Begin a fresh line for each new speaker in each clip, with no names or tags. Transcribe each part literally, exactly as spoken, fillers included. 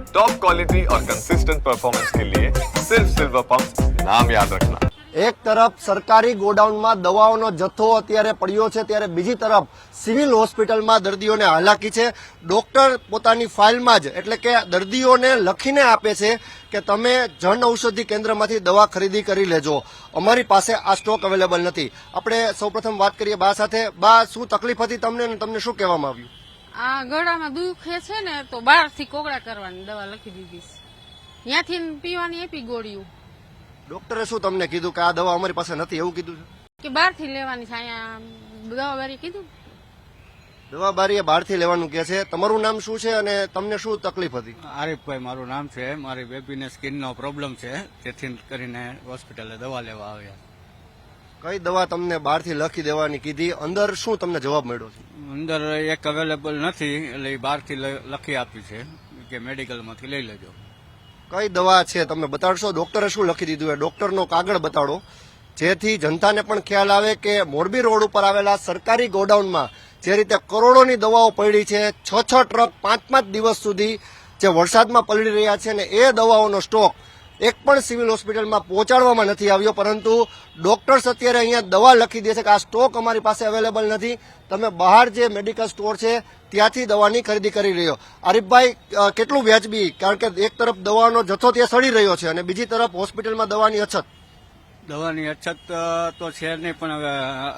Top quality और consistent performance के लिए सिर्फ सिल्वर पंप नाम याद रखना।
એક તરફ સરકારી ગોડાઉનમાં દવાઓનો જથ્થો અત્યારે પડ્યો છે, ત્યારે બીજી તરફ સિવિલ હોસ્પિટલમાં દર્દીઓને હાલાકી છે. ડોક્ટર પોતાની ફાઇલમાં જ એટલે કે દર્દીઓને લખીને આપે છે કે તમે જન ઔષધિ કેન્દ્રમાંથી દવા ખરીદી કરી લેજો, અમારી પાસે આ સ્ટોક અવેલેબલ નથી. આપણે સૌપ્રથમ વાત કરીએ બા સાથે. બા, શું તકલીફ હતી તમને અને તમને શું કહેવામાં આવ્યું?
આ ગળામાં દુખે છે ને તો બહારથી કોગળા કરવાની દવા લખી દીધી છે, ત્યાંથી પીવાની આપી ગોળીઓ.
ડોક્ટરે શું તમને કીધું કે આ દવા અમારી પાસે નથી એવું કીધું છે
કે બહારથી લેવાની છે? અહીંયા દવા બારી કીધું
દવા બારીએ બહારથી લેવાનું કે છે. તમારું નામ શું છે અને તમને શું તકલીફ હતી?
આરીફભાઈ મારું નામ છે. મારી બેબીને સ્કિનનો પ્રોબ્લેમ છે, તેથી કરીને હોસ્પિટલે દવા લેવા આવ્યા.
કઈ દવા તમને બહારથી લખી દેવાની કીધી? અંદર શું તમને જવાબ મળ્યો છે?
અંદર એક અવેલેબલ નથી એટલે એ બહારથી લખી આપી છે કે મેડિકલમાંથી લઈ લેજો.
કઈ દવા છે તમે બતાડશો? ડોક્ટરે શું લખી દીધું એ ડોક્ટરનો કાગળ બતાડો, જેથી જનતાને પણ ખ્યાલ આવે કે મોરબી રોડ ઉપર આવેલા સરકારી ગોડાઉનમાં જે રીતે કરોડોની દવાઓ પડી છે, છ છ ટ્રક પાંચ પાંચ દિવસ સુધી જે વરસાદમાં પલળી રહ્યા છે, ને એ દવાઓનો સ્ટોક એક પણ સિવિલ હોસ્પિટલમાં પહોંચાડવામાં નથી આવ્યો. પરંતુ ડોક્ટર્સ અત્યારે અહીંયા દવા લખી દે છે કે આ સ્ટોક અમારી પાસે અવેલેબલ નથી, તમે બહાર જે મેડિકલ સ્ટોર છે ત્યાંથી દવાની ખરીદી કરી રહ્યો. આરીફભાઈ, કેટલું વ્યાજબી? કારણ કે એક તરફ દવાનો જથ્થો ત્યાં સડી રહ્યો છે અને બીજી તરફ હોસ્પિટલમાં દવાની અછત.
દવાની અછત તો છે નહીં, પણ હવે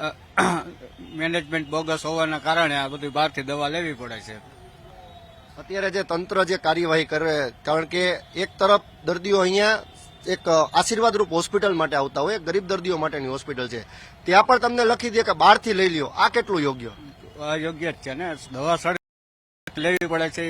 મેનેજમેન્ટ બોગસ હોવાના કારણે આ બધી બહારથી દવા લેવી પડે છે.
અત્યારે જે તંત્ર જે કાર્યવાહી કરે, કારણ કે એક તરફ દર્દીઓ અહીંયા એક આશીર્વાદરૂપ હોસ્પિટલ માટે આવતા હોય, ગરીબ દર્દીઓ માટેની હોસ્પિટલ છે, ત્યાં પણ તમને લખી દે કે બહારથી લઈ લ્યો. આ કેટલું યોગ્ય?
યોગ્ય જ છે ને, દવા સડ લેવી પડે છે.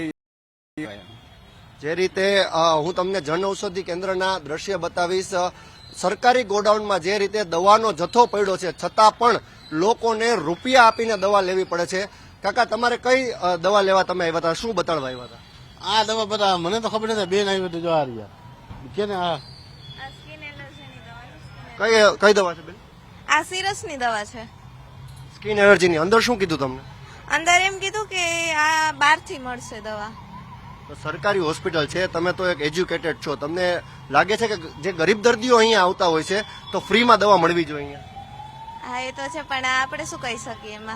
જે રીતે હું તમને જન ઔષધિ કેન્દ્રના દ્રશ્ય બતાવીશ, સરકારી ગોડાઉનમાં જે રીતે દવાનો જથ્થો પડ્યો છે છતાં પણ લોકોને રૂપિયા આપીને દવા લેવી પડે છે. કાકા, તમારે કઈ દવા લેવા તમે આવ્યા હતા? શું બતાડવા આવ્યા હતા?
આ દવા બધા મને તો ખબર નથી, બેન આવી હતી જો આ રહ્યા કે ને. આ
કઈ કઈ દવા છે બેન?
આ સિરસની દવા છે.
સ્કિન એલર્જીની. અંદર શું કીધું તમને?
અંદર એમ કીધું કે આ બહારથી મળશે દવા.
તો સરકારી હોસ્પિટલ છે, તમે તો એક એજ્યુકેટેડ છો, તમને લાગે છે કે જે ગરીબ દર્દીઓ અહીંયા આવતા હોય છે તો ફ્રીમાં દવા મળવી જોઈએ અહીંયા?
હા, એ તો છે, પણ આપણે શું કહી શકીએ એમાં.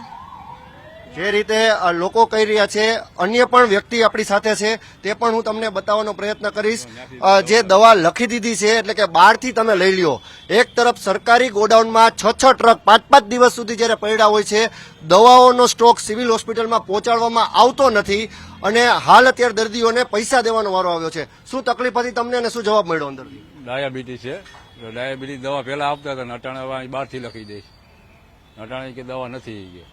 જે રીતે લોકો કહી રહ્યા છે, અન્ય પણ વ્યક્તિ આપણી સાથે છે, તે પણ હું તમને બતાવવાનો પ્રયત્ન કરીશ. જે દવા લખી દીધી છે એટલે કે બહારથી તમે લઈ લ્યો. એક તરફ સરકારી ગોડાઉનમાં છ છ ટ્રક પાંચ પાંચ દિવસ સુધી જયારે પડ્યા હોય છે, દવાઓનો સ્ટોક સિવિલ હોસ્પિટલમાં પહોંચાડવામાં આવતો નથી અને હાલ અત્યારે દર્દીઓને પૈસા દેવાનો વારો આવ્યો છે. શું તકલીફ હતી તમને અને શું જવાબ મળ્યો અંદરથી?
ડાયાબિટીસ છે, ડાયાબિટીસ દવા પહેલા આપતા હતા, અટાણે બહારથી લખી દઈશ, અટાણે કે દવા નથી કે.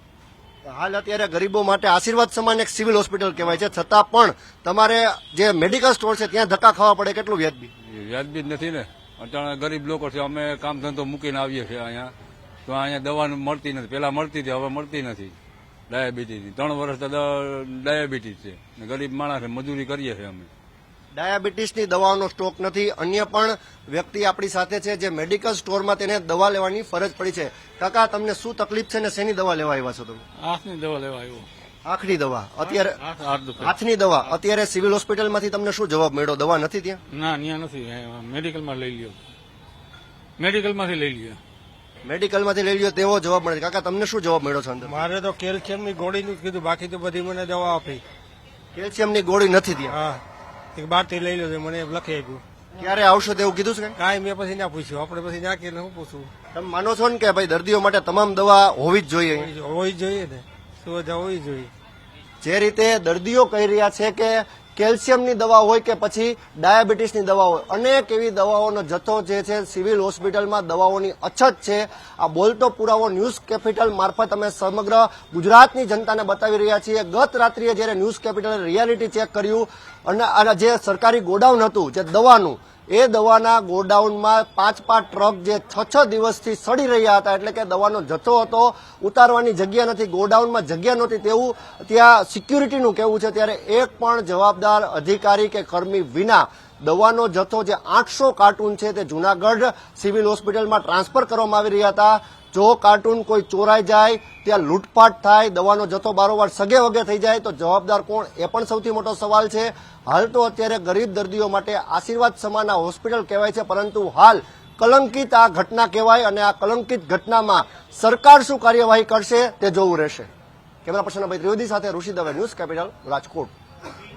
હાલ અત્યારે ગરીબો માટે આશીર્વાદ સમાન એક સિવિલ હોસ્પિટલ કહેવાય છે, છતાં પણ તમારે જે મેડિકલ સ્ટોર છે ત્યાં ધક્કા ખાવા પડે. કેટલું વ્યાજબી?
વ્યાજબી જ નથી ને. અટાણે ગરીબ લોકો છે, અમે કામ ધંધો મૂકીને આવીએ છીએ અહીંયા, તો અહીંયા દવા મળતી નથી. પેલા મળતી હતી, હવે મળતી નથી. ડાયાબિટીસની ત્રણ વર્ષ ડાયાબિટીસ છે, ગરીબ માણસ મજૂરી કરીએ છીએ અમે.
ડાયાબિટીસની દવાઓનો સ્ટોક નથી. અન્ય પણ વ્યક્તિ આપણી સાથે છે જે મેડિકલ સ્ટોરમાં તેને દવા લેવાની ફરજ પડી છે. કાકા, તમને શું તકલીફ છે ને શેની દવા લેવા આવ્યા છો તમે?
આંખની દવા લેવા આવ્યો.
આંખની દવા? અત્યારે હાથની દવા. અત્યારે સિવિલ હોસ્પિટલમાંથી તમને શું જવાબ મળ્યો? દવા નથી ત્યાં?
ના, ત્યાં નથી, મેડિકલમાં લઈ લ્યો, મેડિકલમાંથી લઈ લ્યો.
મેડિકલમાંથી લઈ લ્યો તેવો જવાબ મળે. કાકા, તમને શું જવાબ મળ્યો છે અંદર?
મારે તો કેલ્શિયમની ગોળીનું જ કીધું, બાકી તો બધી મને દવા આપી.
કેલ્શિયમની ગોળી નથી ત્યાં?
હા, બહારથી લઈ લો, મને લખી આપ્યું.
ક્યારે આવશો તેવું કીધું છે?
કાંઈ મેં પછી ના પૂછ્યું, આપણે પછી ના કે હું પૂછું.
તમે માનો છો ને કે ભાઈ દર્દીઓ માટે તમામ દવા હોવી જ જોઈએ?
હોવી જોઈએ ને, સુવિધા હોવી જોઈએ.
જે રીતે દર્દીઓ કહી રહ્યા છે કે કેલ્શિયમની દવા હોય કે પછી ડાયાબિટીસની દવા હોય, અનેક એવી દવાઓનો જથ્થો જે છે સિવિલ હોસ્પિટલમાં દવાઓની અછત છે. આ બોલતો પુરાવો ન્યૂઝ કેપિટલ મારફત અમે સમગ્ર ગુજરાતની જનતાને બતાવી રહ્યા છીએ. ગત રાત્રિએ જ્યારે ન્યૂઝ કેપિટલે રિયાલિટી ચેક કર્યું અને જે સરકારી ગોડાઉન હતું જે દવાનું, એ દવાના ગોડાઉનમાં પાંચ પાંચ ટ્રક જે છ છ દિવસથી સડી રહ્યા હતા, એટલે કે દવાનો જથ્થો હતો, ઉતારવાની જગ્યા નથી, ગોડાઉનમાં જગ્યા નહોતી તેવું ત્યાં સિક્યુરિટીનું કહેવું છે. ત્યારે એક પણ જવાબદાર અધિકારી કે કર્મી વિના દવાનો જથ્થો જે આઠસો કાર્ટૂન છે તે જૂનાગઢ સિવિલ હોસ્પિટલમાં ટ્રાન્સફર કરવામાં આવી રહ્યા હતા. જો કાર્ટૂન કોઈ ચોરાઈ જાય, ત્યાં લૂંટફાટ થાય, દવાનો જથ્થો બારોબાર સગે વગે થઈ જાય તો જવાબદાર કોણ, એ પણ સૌથી મોટો સવાલ છે. હાલ તો અત્યારે ગરીબ દર્દીઓ માટે આશીર્વાદ સમાન આ હોસ્પિટલ કહેવાય છે, પરંતુ હાલ કલંકિત આ ઘટના કહેવાય અને આ કલંકિત ઘટનામાં સરકાર શું કાર્યવાહી કરશે તે જોવું રહેશે. કેમેરા પર્સન અભય ત્રિવેદી સાથે ઋષિ દવે, ન્યૂઝ કેપિટલ, રાજકોટ.